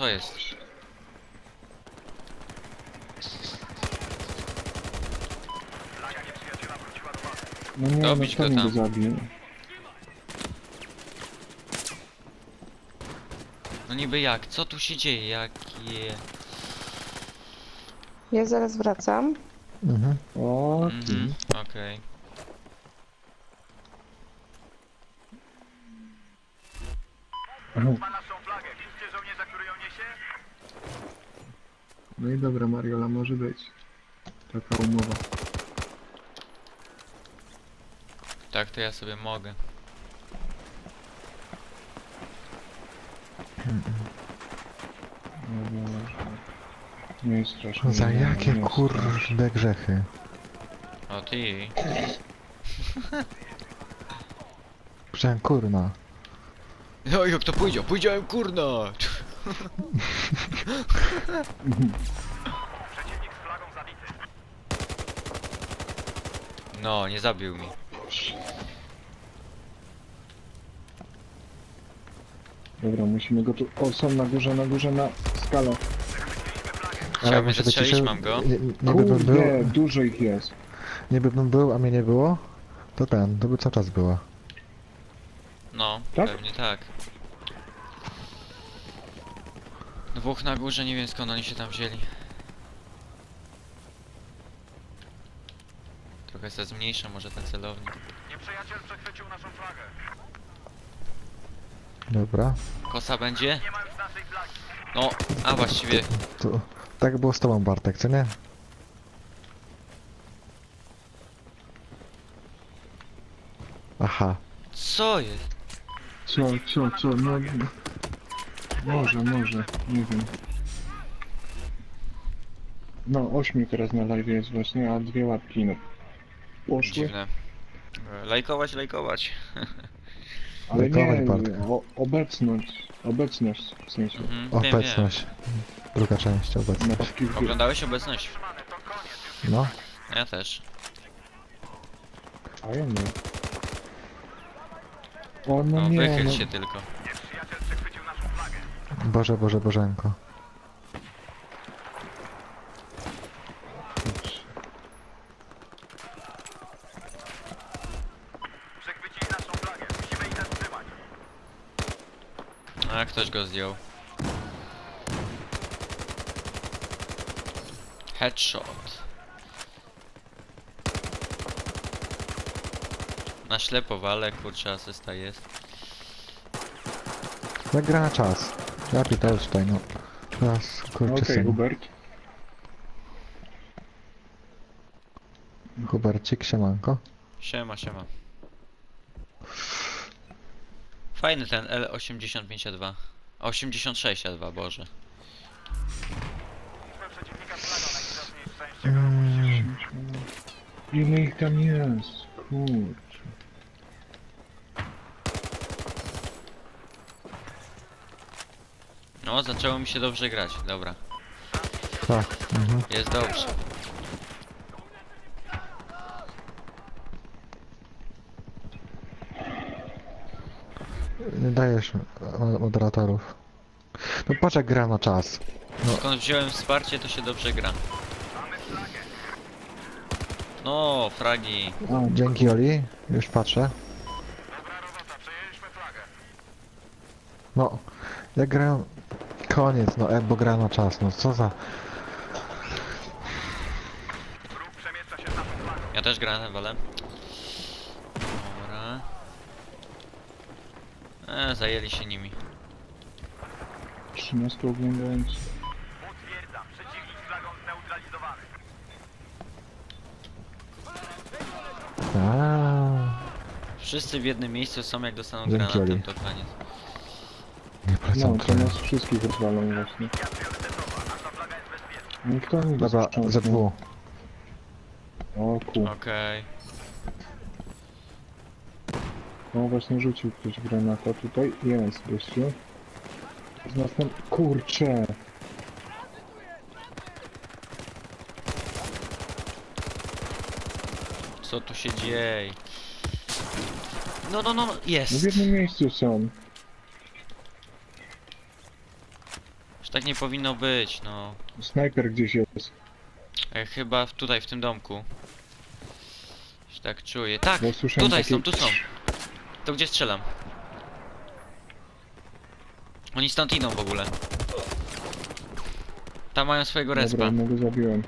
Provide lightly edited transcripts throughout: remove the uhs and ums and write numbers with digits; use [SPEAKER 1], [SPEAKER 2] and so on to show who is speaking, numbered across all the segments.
[SPEAKER 1] co jest?
[SPEAKER 2] No nie, no
[SPEAKER 1] Dobić go
[SPEAKER 2] kto mnie go
[SPEAKER 1] tam.
[SPEAKER 2] zabił?
[SPEAKER 1] No niby jak? Co tu się dzieje? Jakie...
[SPEAKER 3] Ja zaraz wracam.
[SPEAKER 2] Mhm. O,
[SPEAKER 1] Mhm, okej.
[SPEAKER 2] Ma naszą flagę. Widzicie żołnierza, który ją niesie? No i dobra, Mariola, może być. Taka umowa.
[SPEAKER 1] Tak, to ja sobie mogę.
[SPEAKER 2] No, nie jest strasznie.
[SPEAKER 4] Za
[SPEAKER 2] nie,
[SPEAKER 4] jakie
[SPEAKER 2] nie jest
[SPEAKER 4] kurde
[SPEAKER 2] strasznie.
[SPEAKER 4] grzechy?
[SPEAKER 1] O ty.
[SPEAKER 4] Przecież kurna.
[SPEAKER 1] No jak to pójdzie? Pójdziałem kurna! No, nie zabił mi.
[SPEAKER 2] Dobra, musimy go tu... O, są na górze, na skalę.
[SPEAKER 1] Chciał mnie
[SPEAKER 4] żeby
[SPEAKER 1] zastrzelić,
[SPEAKER 4] ciszę-
[SPEAKER 1] mam go.
[SPEAKER 4] Niby bym był,
[SPEAKER 2] Kurde, dużo ich jest.
[SPEAKER 4] niby bym był, a mnie nie było, to by cały czas było.
[SPEAKER 1] No,
[SPEAKER 2] Tak?
[SPEAKER 1] pewnie tak. Dwóch na górze, nie wiem skąd oni się tam wzięli. Trochę se zmniejszę może ten celownik.
[SPEAKER 2] Nieprzyjaciel przechwycił naszą flagę.
[SPEAKER 4] Dobra.
[SPEAKER 1] Kosa będzie? No, a właściwie...
[SPEAKER 4] To, tak było z tobą, Bartek, co nie? Aha.
[SPEAKER 1] Co jest?
[SPEAKER 2] Co, no... Może, nie wiem. No, 8 teraz na live jest właśnie, a 2 łapki, no. Poszły.
[SPEAKER 1] Dziwne. Lajkować, lajkować.
[SPEAKER 2] Ale
[SPEAKER 4] Lajkować,
[SPEAKER 2] nie,
[SPEAKER 4] Bartek.
[SPEAKER 2] obecność w sensie.
[SPEAKER 1] Mhm, wiem.
[SPEAKER 4] Obecność. Druga część, obecność.
[SPEAKER 2] Na wszystkich...
[SPEAKER 1] Oglądałeś obecność?
[SPEAKER 4] No.
[SPEAKER 1] Ja też.
[SPEAKER 2] A ja nie. O, no
[SPEAKER 1] No,
[SPEAKER 2] nie,
[SPEAKER 1] wychyl
[SPEAKER 2] no.
[SPEAKER 1] się tylko.
[SPEAKER 4] Boże, Bożenko.
[SPEAKER 1] A ktoś go zdjął. Headshot. Na ślepo wale, kurczę, asysta jest.
[SPEAKER 4] Jak gra na czas. Ja pitał tutaj, no. Teraz, kurczę,
[SPEAKER 2] Okej,
[SPEAKER 4] syn.
[SPEAKER 2] Hubert.
[SPEAKER 4] Hubercik, siemanko.
[SPEAKER 1] Siema, siema. Fajny ten L85A2. 86A2, Boże.
[SPEAKER 2] Ile ich tam jest? Kurczę.
[SPEAKER 1] No, zaczęło mi się dobrze grać, dobra.
[SPEAKER 4] Tak. Mhm.
[SPEAKER 1] Jest dobrze.
[SPEAKER 4] Nie dajesz moderatorów. No patrz jak gra na czas. No.
[SPEAKER 1] Skąd wziąłem wsparcie, to się dobrze gra. No, fragi.
[SPEAKER 2] A,
[SPEAKER 4] Dzięki Oli, już patrzę. No, jak grają... Koniec, no bo gra na czas, no co za...
[SPEAKER 1] Ja też grałem na tym walem. Dobra. Zajęli się nimi.
[SPEAKER 2] 13 oglądając.
[SPEAKER 1] Wszyscy w jednym miejscu są, jak dostaną
[SPEAKER 4] Dzięki,
[SPEAKER 1] granatem,
[SPEAKER 4] Oli.
[SPEAKER 1] to koniec.
[SPEAKER 4] Nie polecam
[SPEAKER 2] No, to nas wszystkich rozwalą właśnie. No i kto mi go
[SPEAKER 4] Dobra,
[SPEAKER 2] sprzątnął?
[SPEAKER 4] ZW.
[SPEAKER 2] O ku.
[SPEAKER 1] Okej.
[SPEAKER 2] No właśnie rzucił ktoś granata tutaj. Jest gościu. Z następnym... Kurczę!
[SPEAKER 1] Co tu się dzieje? No,
[SPEAKER 2] No w
[SPEAKER 1] jest!
[SPEAKER 2] jednym miejscu są.
[SPEAKER 1] Tak nie powinno być, no.
[SPEAKER 2] Snajper gdzieś jest.
[SPEAKER 1] Chyba tutaj, w tym domku. Się tak czuję. Tak!
[SPEAKER 2] Bo słyszałem
[SPEAKER 1] Tutaj
[SPEAKER 2] takie...
[SPEAKER 1] są, tu są. To gdzie strzelam? Oni stąd idą w ogóle. Tam mają swojego
[SPEAKER 2] Dobra,
[SPEAKER 1] respa.
[SPEAKER 2] jednego zabiłem.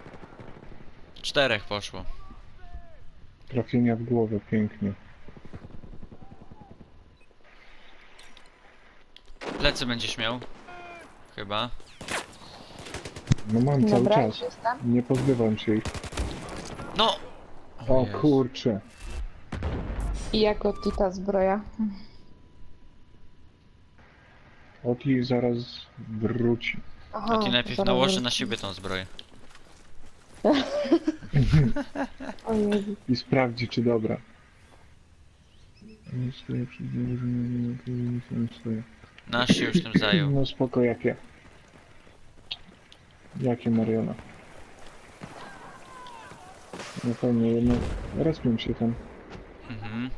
[SPEAKER 1] 4 poszło.
[SPEAKER 2] Trafienia w głowę, pięknie.
[SPEAKER 1] Plecy będziesz miał. Chyba.
[SPEAKER 2] No mam cały
[SPEAKER 3] Dobra,
[SPEAKER 2] czas.
[SPEAKER 3] już jestem.
[SPEAKER 2] Nie pozbywam się ich.
[SPEAKER 1] No!
[SPEAKER 2] O
[SPEAKER 1] Jezu.
[SPEAKER 2] kurczę.
[SPEAKER 3] I jako ta zbroja.
[SPEAKER 2] Oti zaraz wróci.
[SPEAKER 3] Aha,
[SPEAKER 1] A ty najpierw
[SPEAKER 3] zaraz
[SPEAKER 1] nałoży
[SPEAKER 3] wrócę.
[SPEAKER 1] na siebie tą zbroję.
[SPEAKER 3] O Jezu.
[SPEAKER 2] I sprawdzi, czy dobra. Nie stoję przy nie stoję.
[SPEAKER 1] Nasz się już tym zajął.
[SPEAKER 2] No spoko, jakie? Jakie Mariona? Na pewno jedno... Respią się tam.
[SPEAKER 1] Mhm.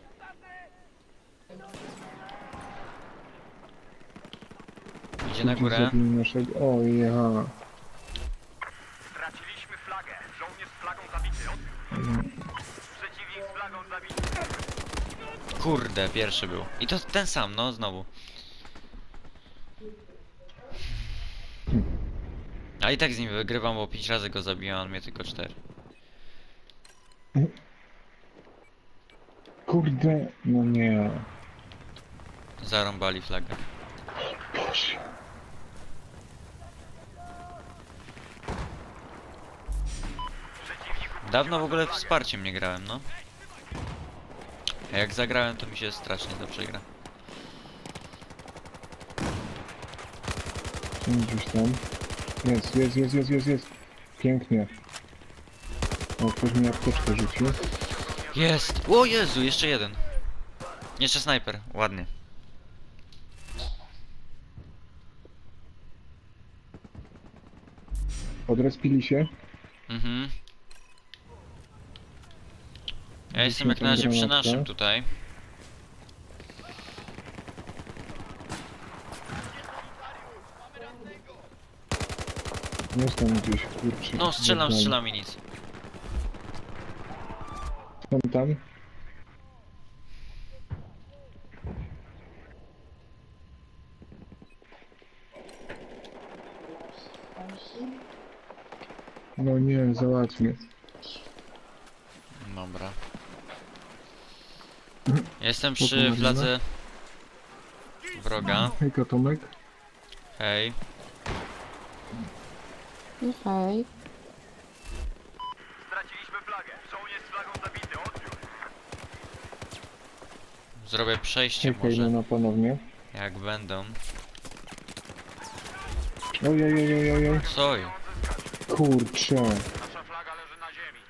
[SPEAKER 1] Idzie na górę.
[SPEAKER 2] Zabili naszego... O, ja.
[SPEAKER 5] Straciliśmy flagę. Żołnierz z flagą zabity. Przeciwnik z flagą zabity.
[SPEAKER 1] Kurde, pierwszy był. I to ten sam, no znowu. A i tak z nim wygrywam, bo 5 razy go zabiłem, a on mnie tylko 4.
[SPEAKER 2] Kurde, no nie.
[SPEAKER 1] Zarąbali flagę.
[SPEAKER 2] Boże.
[SPEAKER 1] Dawno w ogóle wsparciem nie grałem, no. A jak zagrałem, to mi się strasznie dobrze gra.
[SPEAKER 2] Są gdzieś tam. Jest. Pięknie. O, ktoś mi apteczkę rzucił.
[SPEAKER 1] Jest! O Jezu, jeszcze jeden. Jeszcze snajper, ładnie.
[SPEAKER 2] Odrespili się.
[SPEAKER 1] Mhm. Ja jestem
[SPEAKER 2] Rzuciłem
[SPEAKER 1] jak na razie
[SPEAKER 2] tam
[SPEAKER 1] przy
[SPEAKER 2] granatkę.
[SPEAKER 1] naszym tutaj.
[SPEAKER 2] Jest tam gdzieś, kurczę.
[SPEAKER 1] No, strzelam
[SPEAKER 2] Dobra.
[SPEAKER 1] i nic.
[SPEAKER 2] Są tam. No nie, załatwię.
[SPEAKER 1] Dobra. Jestem
[SPEAKER 2] Spoko,
[SPEAKER 1] przy
[SPEAKER 2] Marina.
[SPEAKER 1] fladze wroga.
[SPEAKER 2] Hejka, Tomek.
[SPEAKER 1] Hej.
[SPEAKER 3] Okej.
[SPEAKER 5] Straciliśmy flagę. Żołnierz z flagą zabity. Odbiór.
[SPEAKER 1] Zrobię przejście
[SPEAKER 2] Hejka,
[SPEAKER 1] może.
[SPEAKER 2] Ilona, ponownie.
[SPEAKER 1] Jak będą.
[SPEAKER 2] Ojej.
[SPEAKER 1] Soj.
[SPEAKER 2] Kurczę.
[SPEAKER 5] Nasza flaga leży na ziemi.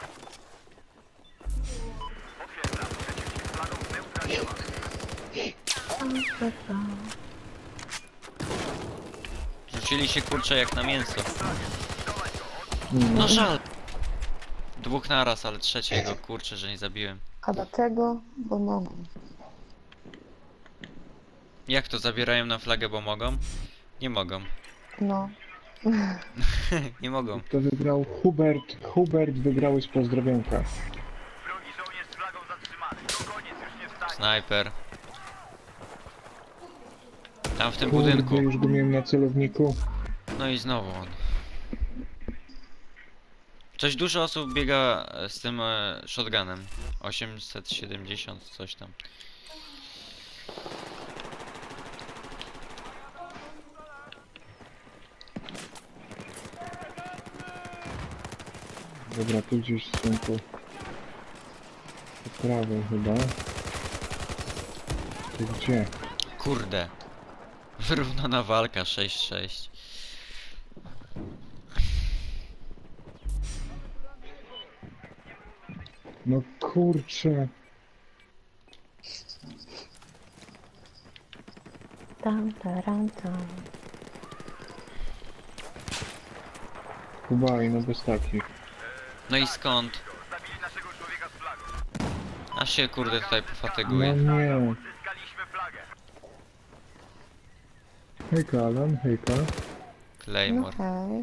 [SPEAKER 5] Potwierdzam. Przeciwnik z flagą zneutralizowany.
[SPEAKER 1] Rzucili się kurcze jak na mięso.
[SPEAKER 2] Mm.
[SPEAKER 1] No żal. Dwóch naraz, ale trzeciego kurczę, że nie zabiłem.
[SPEAKER 3] A dlaczego? Bo mogę.
[SPEAKER 1] Jak to zabierają na flagę, bo mogą? Nie mogą.
[SPEAKER 3] No.
[SPEAKER 1] Nie mogą.
[SPEAKER 2] To wygrał Hubert wygrały z pozdrowionka.
[SPEAKER 5] Wrogi żołnierz z flagą zatrzymany. To koniec. Już nie wstanie.
[SPEAKER 1] Snajper. Tam w tym
[SPEAKER 2] Kurde,
[SPEAKER 1] budynku.
[SPEAKER 2] już go miałem na celowniku.
[SPEAKER 1] No i znowu on. Coś dużo osób biega z tym shotgunem. 870 coś tam.
[SPEAKER 2] Dobra, tu gdzieś są po prawej chyba. To gdzie?
[SPEAKER 1] Kurde. Wyrównana walka 6-6.
[SPEAKER 2] No kurczę.
[SPEAKER 3] Tam, taram, tam.
[SPEAKER 2] Kuba i no bez takich.
[SPEAKER 1] No i skąd?
[SPEAKER 5] Zabili naszego człowieka z flagą.
[SPEAKER 1] Aż się kurde tutaj
[SPEAKER 2] No
[SPEAKER 1] pofatyguje.
[SPEAKER 2] nie.
[SPEAKER 5] Zyskaliśmy flagę.
[SPEAKER 2] Hejka Alan, hejka.
[SPEAKER 3] No
[SPEAKER 1] Claymore.
[SPEAKER 3] hej.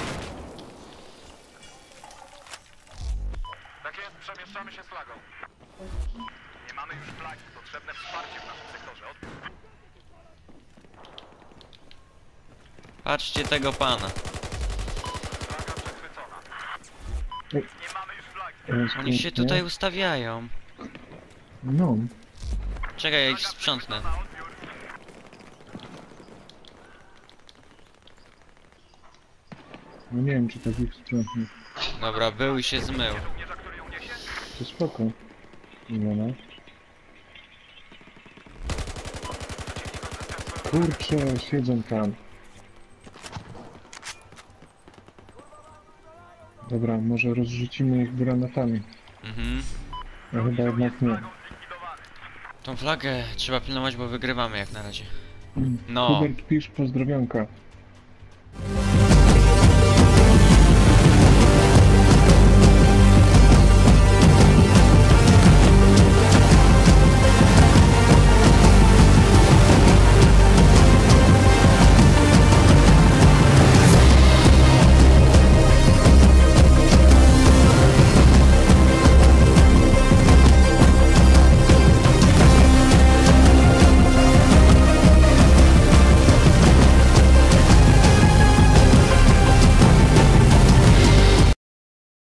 [SPEAKER 5] Tak jest, przemieszczamy się z flagą. Nie mamy już flagi. Potrzebne wsparcie w naszym sektorze.
[SPEAKER 1] Patrzcie tego pana.
[SPEAKER 5] Flaga przechwycona.
[SPEAKER 2] Ej.
[SPEAKER 5] Nie mamy już flagi.
[SPEAKER 2] Teraz
[SPEAKER 1] Oni się
[SPEAKER 2] pięknie.
[SPEAKER 1] tutaj ustawiają.
[SPEAKER 2] No,
[SPEAKER 1] Czekaj, ja ich
[SPEAKER 5] Flaga
[SPEAKER 1] sprzątnę.
[SPEAKER 5] przechwycona, odbiór.
[SPEAKER 2] no nie wiem czy tak ich sprzątnie.
[SPEAKER 1] Dobra, był i się zmył.
[SPEAKER 5] Żołnierza, który ją niesie?
[SPEAKER 2] To spoko. Imiona. Kurczę, siedzą tam. Dobra, może rozrzucimy ich granatami.
[SPEAKER 1] Mhm.
[SPEAKER 2] No chyba jednak nie.
[SPEAKER 5] Flagą zlikwidowany.
[SPEAKER 1] Tą flagę trzeba pilnować, bo wygrywamy jak na razie.
[SPEAKER 2] Mm.
[SPEAKER 1] No.
[SPEAKER 2] Hubert pisz pozdrowionka.